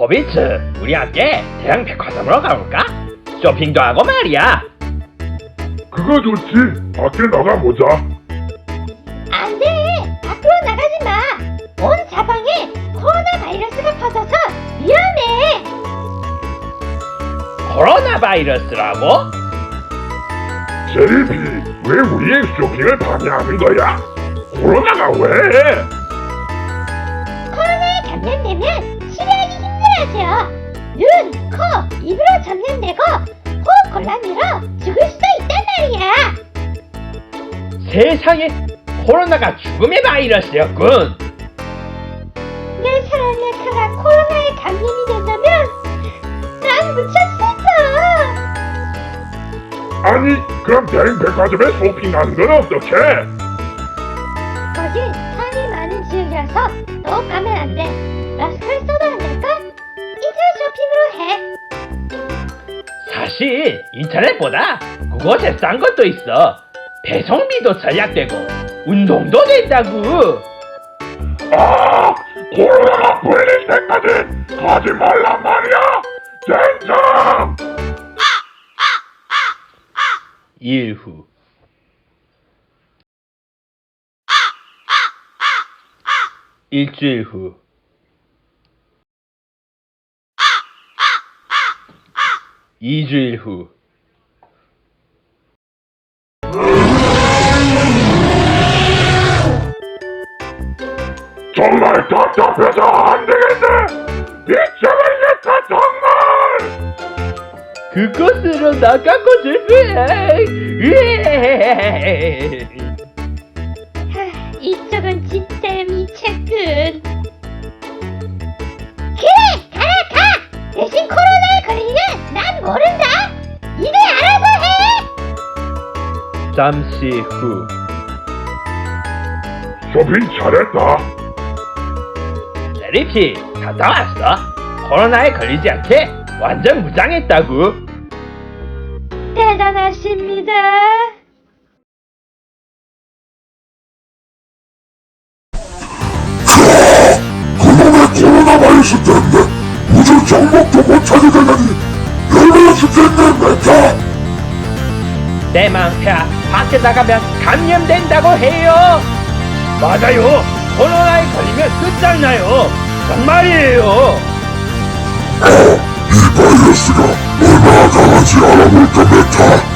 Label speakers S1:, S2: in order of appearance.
S1: 호비츠, 우리 함께 대형 백화점으로 가볼까? 쇼핑도 하고 말이야.
S2: 그거 좋지. 밖에 나가보자.
S3: 안 돼! 밖으로 나가지 마! 온 사방에 코로나 바이러스가 퍼져서 위험해!
S1: 코로나 바이러스라고?
S2: 제리비, 왜 우리의 쇼핑을 방해하는 거야? 코로나가 왜?
S3: 코로나에 감염되면 치료하기 힘들어져! 눈, 코, 입으로 전염되고 호흡 곤란으로 죽을 수도 있단 말이야!
S1: 세상에, 코로나가 죽음의 바이러스였군.
S3: 내 사랑의 카가 코로나에 감염이 된다면 난 무척 슬퍼!
S2: 아니, 그럼 대형 백화점에 쇼핑하는 건 어떡해?
S3: 거긴 사람이 많은 지역이라서 너 가면 안 돼. 마스크를 써도 안 될까? 인터넷 쇼핑으로 해.
S1: 사실 인터넷보다 그곳에 싼 것도 있어. 배송비도 절약되고 운동도 된다고.
S2: 아, 코로나가 풀릴 때까지 가지 말란 말이야. 젠장!
S1: 일후. 일주일 후. 이주일 후.
S2: 정말 답답해서 안 되겠네. 미쳐버리겠다 정말.
S1: 그곳으로 나가고 싶어.
S3: 이쪽은 진짜 미쳤군. 그래! 가! 대신 코로나에 걸리면 난 모른다! 니네 알아서 해!
S1: 잠시 후.
S2: 쇼핑 잘했다.
S1: 제리피, 갔다 왔어. 코로나에 걸리지 않게 완전 무장했다고.
S3: 대단하십니다.
S2: 그놈의 코로나 바이러스 때문에 우주 정복도 못 하게 되다니 열받아 죽겠네 메타.
S1: 내 맘이야. 밖에 나가면 감염된다고 해요. 맞아요. 코로나에 걸리면 끝장나요. 정말이에요.
S2: 이 바이러스가 얼마나 강한지 알아볼까 메타.